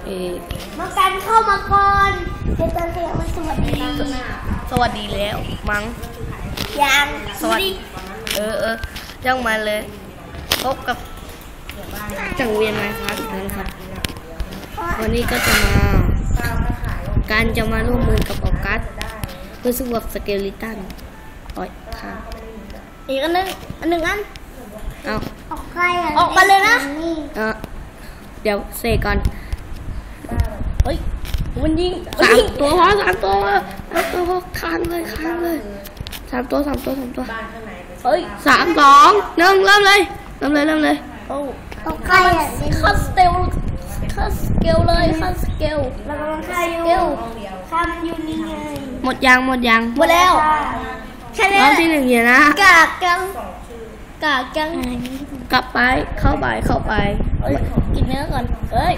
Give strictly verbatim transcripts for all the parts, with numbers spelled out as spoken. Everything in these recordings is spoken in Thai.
เอมากันเข้ามาก่อนเดี๋ยวตอนเรียกว่าสวัสดีสวัสดีแล้วมั้งยังสวัสดีเออเออยังมาเลยพบกับจังเวียนไมค์ครับอีกครั้งครับวันนี้ก็จะมาการจะมาร่วมมือกับออกัสเพื่อสู้กับสเกลิตันอ่อยค่ะอีกอันนึงอันหนึ่งอันเอาออกใครออกมาเลยนะเออเดี๋ยวเสกก่อนเฮ้ยมันยิงสามตัวพอสามตัวสามตัวค้างเลยค้างเลยสามตัวสามตัวสามตัวเฮ้ยสามสองหนึ่งเริ่มเลยเริ่มเลยเริ่มเลยโอ้ออกใครอ่ะคัสเตลคัสเกลเลยคัสเกลแล้วก็คัสเกลข้ามอยู่นี่ไงหมดยางหมดยางหมดแล้วแค่นี้รอบที่หนึ่งเนี่ยนะกากจังกากจังกลับไปเข้าไปเข้าไปกินเนื้อก่อนเฮ้ย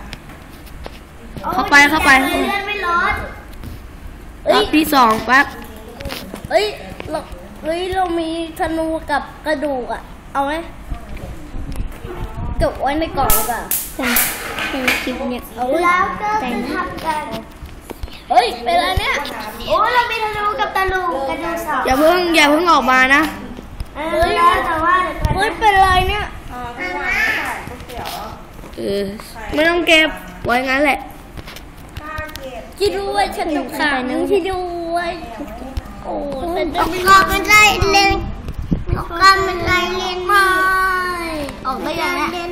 เข้าไปเข้าไปเลือดไม่ร้อนรอบที่สองปั๊บเฮ้ยเราเฮ้ยเรามีธนูกับกระดูกอ่ะเอาไหมเก็บไว้ในกล่องก่อนเป็นคลิปเนี่ยเอาแล้วก็จะทำกันเฮ้ยเป็นอะไรเนี่ยโอ้เรามีธนูกับตะลุงกระดูกสองอย่าเพิ่งอย่าเพิ่งออกมานะเฮ้ยแต่ว่าเฮ้ยเป็นอะไรเนี่ยเออไม่ต้องเก็บไว้งั้นแหละที่ด้วยฉันต้องขาหนึ่งที่ด้วยโอ้ฉันจะไม่ออกมันไล่เล่นออกกันมันไล่เล่นไม่ออกได้ยังไง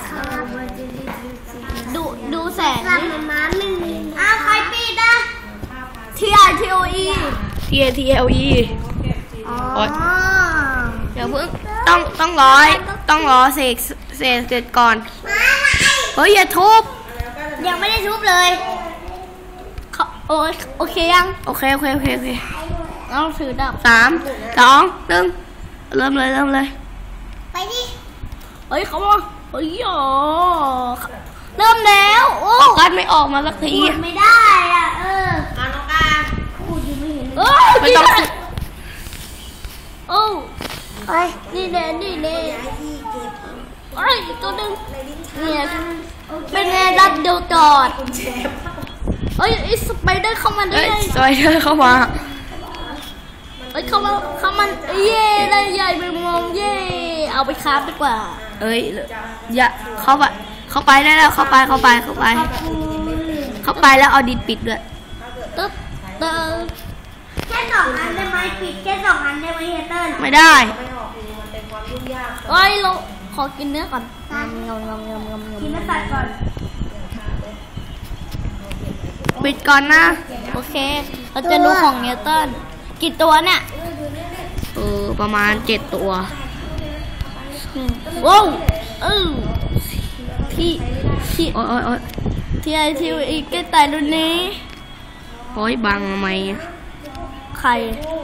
ดูดูแสงอ้าวใครปิดอ่ะทีไอทีโออีทีเอทีเอลอีอ๋อเดี๋ยวเพิ่งต้องต้องร้อยต้องรอเสกเสกเสร็จก่อนเฮ้ยอย่าทุบยังไม่ได้ทุบเลยโอโอเคยังโอเคโอเคโอเคโอเคเราถือดาบสามสองหนึ่งเริ่มเลยเริ่มเลยไปดิเฮ้ยเขาบอกเฮ้ยอ๋อเริ่มแล้วโอ้กัดไม่ออกมาสักทีไม่ได้อ่ะเออการน้องการพูดยังไม่เห็นเออไม่ต้องโอ้ยนี่เน่นี่เน่ไอ้ตัวนึงเนี่ยเป็นไงดับเดียวจอดเอ้ยไอ้สไปเดอร์เข้ามาได้สไปเดอร์เข้ามาเอ้ยเข้ามาเข้ามาเย่ได้ใหญ่ไปมองเย่เอาไปคราฟดีกว่าเอ้ยอย่าเข้าไปเข้าไปได้แล้วเข้าไปเข้าไปเข้าไปเข้าไปแล้วเอาดินปิดด้วยตึ๊บเตอแค่สองอันได้ไหมปิดแค่สองอันได้ไหมเฮเตอร์ไม่ได้เอ้ยเราขอกินเนื้อก่อนงงงงงงงกินเนื้อสัตว์ก่อนปิดก่อนนะโอเคเราจะดูของเนเตันกี่ตัวเนี่ยเออประมาณเจ็ดตัวว้าวเออที่ที่โอ้ยโอ้ยโอ้ยที่ไอทีอีกแกตายรุ่นนี้โอ้ยบังทำไมใคร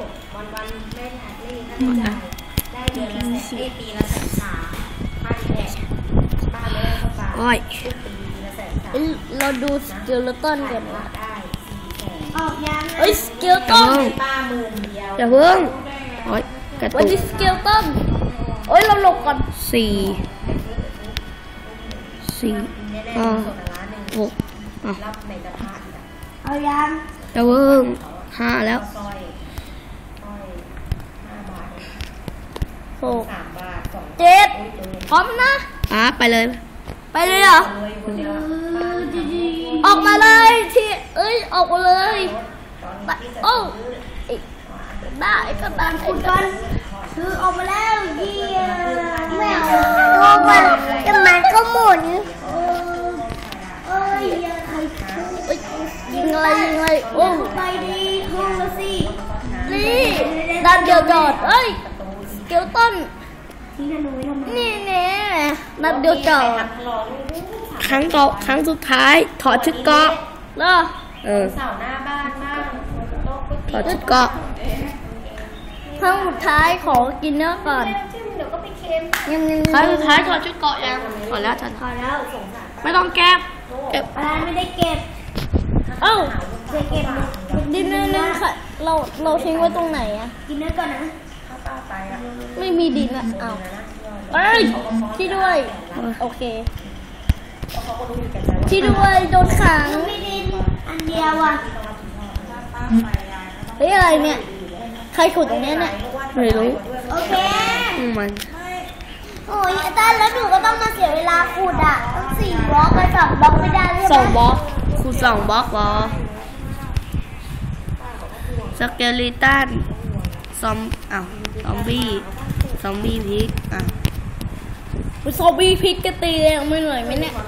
โอ้ยเราดูสเกลตันกันนะเฮ้ยสเกลตันอย่าเพิ่งโอ้ยกระตุกวันนี้สเกลตันโอ้ยเราหลบก่อนสี่สี่ห้าหกเอายังอย่าเพิ่งห้าแล้วหกเจ็ดพร้อมนะอ่ะไปเลยไปเลยเหรอออกมาเลยที่เอ้ยออกมาเลยโอ้ได้ก็ตามคุณกันคือออกมาแล้วเยี่ยมแมวตัวมันจะมันก็หมุนเอ้ยยิงอะไรยิงอะไรโอ้ไปดีห้องละสินี่ดันเดียวจอดเอ้ยเกลตันนี่เนี่ยนัดเดียวจอดครั้งต่อครั้งสุดท้ายถอดชุดเกาะเหรอเออถอดชุดเกาะครั้งสุดท้ายขอกินเนื้อก่อนครั้งสุดท้ายถอดชุดเกาะยังถอดแล้วถอดแล้วไม่ต้องแก็บเก็บอะไรไม่ได้เก็บเอ้าจะเก็บดินเนื้อนึงค่ะเราเราทิ้งไว้ตรงไหนอะกินเนื้อก่อนนะไม่มีดินอะเอาเอ้ยที่ด้วยโอเคที่ด้วยโดนขังไม่ดินอันเดียวอ่ะเฮ้ยอะไรเนี่ยใครขุดตรงนี้เนี่ยไม่รู้โอเคอืมมันโอ้ยอาจารย์แล้วหนูก็ต้องมาเสียเวลาขุดอ่ะต้องสี่บล็อกไปสองบล็อกไม่ได้ใช่ไหมสองบล็อกครูสองบล็อกเหรอสเกลิตันซอมอ้าวซอมบี้ซอมบี้พิกอ่ะซอมบี้พิษก็ตีเลยไม่เหนื่อยไหมเนี่ย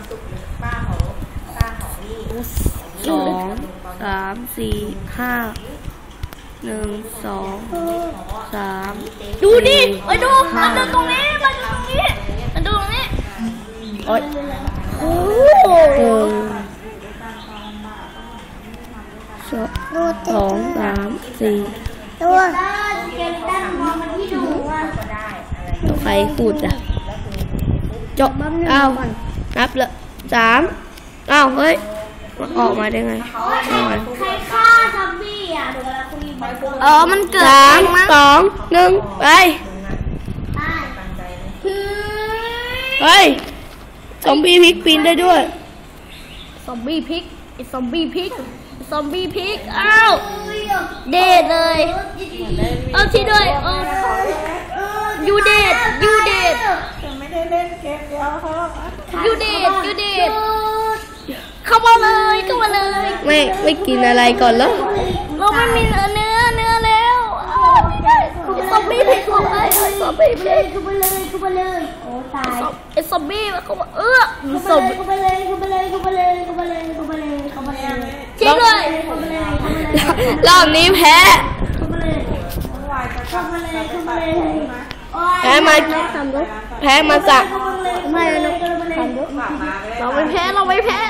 สองสามสี่ห้าหนึ่งสองสามดูดิมาดูมาดูตรงนี้มาดูตรงนี้มาดูตรงนี้โอ๊ยโอ้หนึ่งสองสองสามสี่ตัวเกลิตันมองมาที่ดูว่าใครขุดอ่ะจบอ้าวนับเลยสามอ้าวเฮ้ยออกมาได้ไงออกมาใครฆ่าซอมบี้อ่ะเดี๋ยวเราคุยไปเออมันเกิดสามสองหนึ่งไปเฮ้ยซอมบี้พลิกปีนได้ด้วยซอมบี้พิกไอ้ซอมบี้พิกซอมบี้พิกอ้าวเดดเลยเอาที่ด้วยเออยูเดดยูเดดไม่ได้เล่นเกมเดียวเขายูเดดยูเดดเข้ามาเลยเข้ามาเลยไม่ไม่กินอะไรก่อนแล้วเราไม่มีเนื้อเนื้อเนื้อแล้วซอมบี้พิกเข้าไปซอมบี้พิกเข้าไปเลยเข้าไปเลยโอ้ตายไอ้ซอมบี้มันเข้ามาเออเข้าไปเลยเข้าไปเลยเข้าไปเลยเข้าไปเลยเข้าไปเลยเข้าไปเลยจริงเลยเข้าไปเลยเข้าไปเลยรอบนี้แพ้เข้าไปเลยเข้าไปเลยเข้าไปเลยแพ้มาแพ้มาจากไม่เราเราไม่แพ้เราไม่แพ้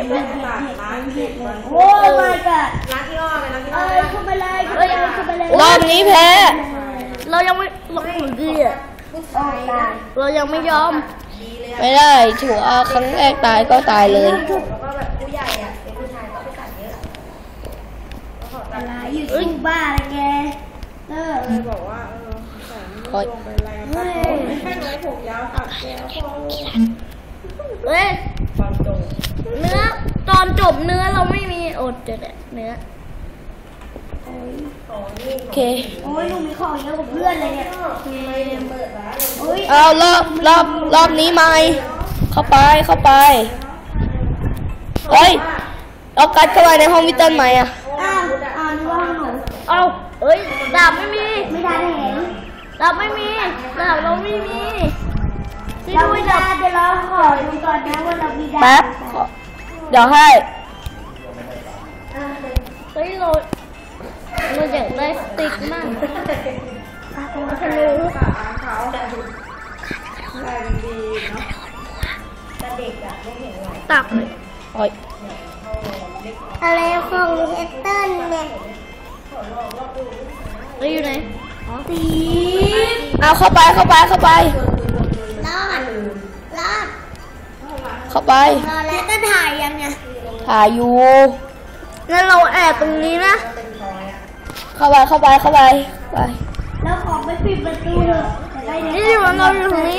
โอ้ my god ร้านที่อ้อเลยร้านที่เอ้อ้อยเข้าไปเลยเข้าไปเลยเข้าไปเลยรอบนี้แพ้เรายังไม่เราดีอ่ะเรายังไม่ยอมไม่ได้ถือว่าครั้งแรกตายก็ตายเลยแล้วก็แบบผู้ใหญ่อ่ะเป็นผู้ชายก็ไปตัดเยอะอะไรอยู่ที่บ้าอะไรแกเออเลยบอกว่าเออใส่ลงไปแรงตัดผมไม่ใช่ไว้ผมยาวตัดแก้วพอเฮ้ยความตรงเนื้อตอนจบเนื้อเราไม่มีอดเด็ดเนื้อโอเคโอ้ยหนูมีของเยอะกว่าเพื่อนเลยเนี่ยโอ้ยเอารอบรอบรอบนี้ไม่เข้าไปเข้าไปเฮ้ยเอากัดเข้าไปในห้องวิเตอร์ใหม่อ่ะอ้าวอ้าวนี่ว่าหนูเอาเอ้ยดาบไม่มีไม่ได้เห็นดาบไม่มีดาบเราไม่มีเราไม่ได้เดี๋ยวเราขอดูก่อนนะว่าเรามีดาบแป๊บขอเดี๋ยวให้เฮ้ยเราเราอยากได้สติ๊กมากทะลุตาเขาแต่แรงดีเนาะแต่เด็กอ่ะไม่เห็นไหวตักเลยโอ้ยอะไรของเอสเตอร์เนี่ยเฮ้ยอยู่ไหนตีเอาเข้าไปเข้าไปเข้าไปรอดรอดเข้าไปรอแล้วก็ถ่ายยังไงถ่ายอยู่งั้นเราแอบตรงนี้นะเข้าไปเข้าไปเข้าไปไปแล้วขอไปปิดประตูเถอะนี่มันเราอยู่ตรงนี้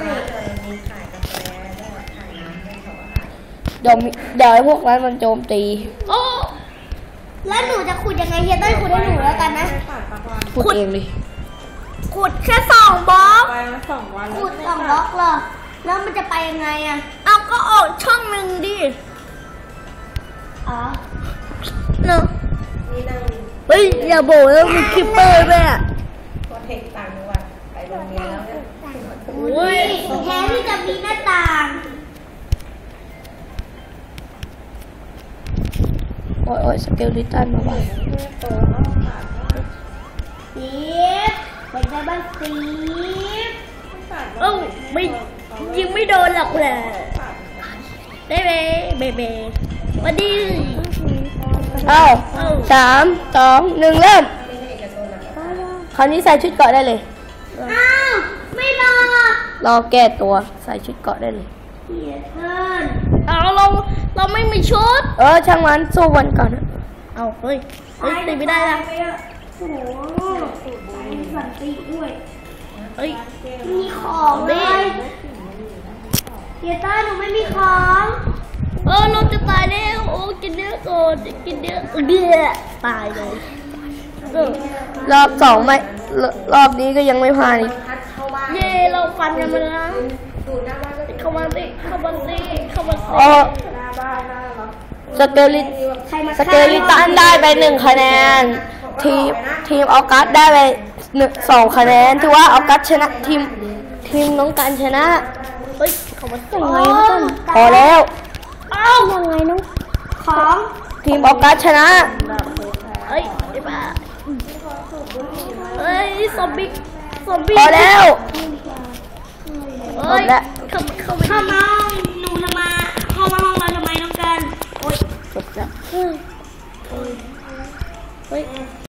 เดี๋ยวมีเดี๋ยวไอ้พวกนั้นมันโจมตีโอ้แล้วหนูจะขุดยังไงเฮียต้อยขุดให้หนูแล้วกันนะพูดเองเลยขุดแค่สองบล็อกไปมาสองวันขุดสองบล็อกเหรอแล้วมันจะไปยังไงอ่ะเอาก็ออกช่องหนึ่งดิอ๋อเนอะนี่นั่งเฮ้ยอย่าบอกว่ามีคิปเปอร์ด้วยอ่ะพอเทคต่างจังหวัดไปโรงเรียนแล้วเนี่ยอุ้ยแทนที่จะมีหน้าต่างโอ้ยโอ้ยสเกลลิตันมาไว้สีเป็นไงบ้างสีเอ้าไม่ยิงไม่โดนหรอกแหละได้ไหมเบเบมาดีเอาสามสองหนึ่งเริ่มคราวนี้ใส่ชุดเกราะได้เลยอ้าวไม่รอรอแก้ตัวใส่ชุดเกราะได้เลยเสียเกินเอาเราเราไม่มีชุดเออช่างมันสู้วันก่อนนะเอาเฮ้ยเฮ้ยตีไม่ได้ละโอ้โหมีสันติด้วยเฮ้ยมีของเลยเฮียต้าหนูไม่มีของเออเราจะตายแล้วโอ้กินเนื้อก่อนกินเนื้อเดือตายเลยเออรอบสองไม่รรอบนี้ก็ยังไม่ผ่านอีกพัดเข้าบ้านเย่เราฟันกันมาแล้วดูหน้าบ้านก็เข้ามาสิเข้ามาสิเข้ามาสิอ๋อหน้าบ้านหน้าเราสเกลิตสเกลิตันได้ไปหนึ่งคะแนน ทีมทีมออกัสได้ไปหนึ่งสองคะแนนถือว่าออกัสชนะทีมทีมน้องกันชนะเฮ้ยเข้ามาสิยังไงน้องกันพอแล้วเอ้ายังไงน้องของทีมออกัสชนะเฮ้ยไอ้บ้าเฮ้ยซอมบี้ซอมบี้พอแล้วเฮ้ยหมดแล้วเข้าเข้าเข้ามาหนูทำไมเข้ามาห้องเราทำไมน้องกันโอ๊ยจบแล้วเฮ้ยเฮ้ย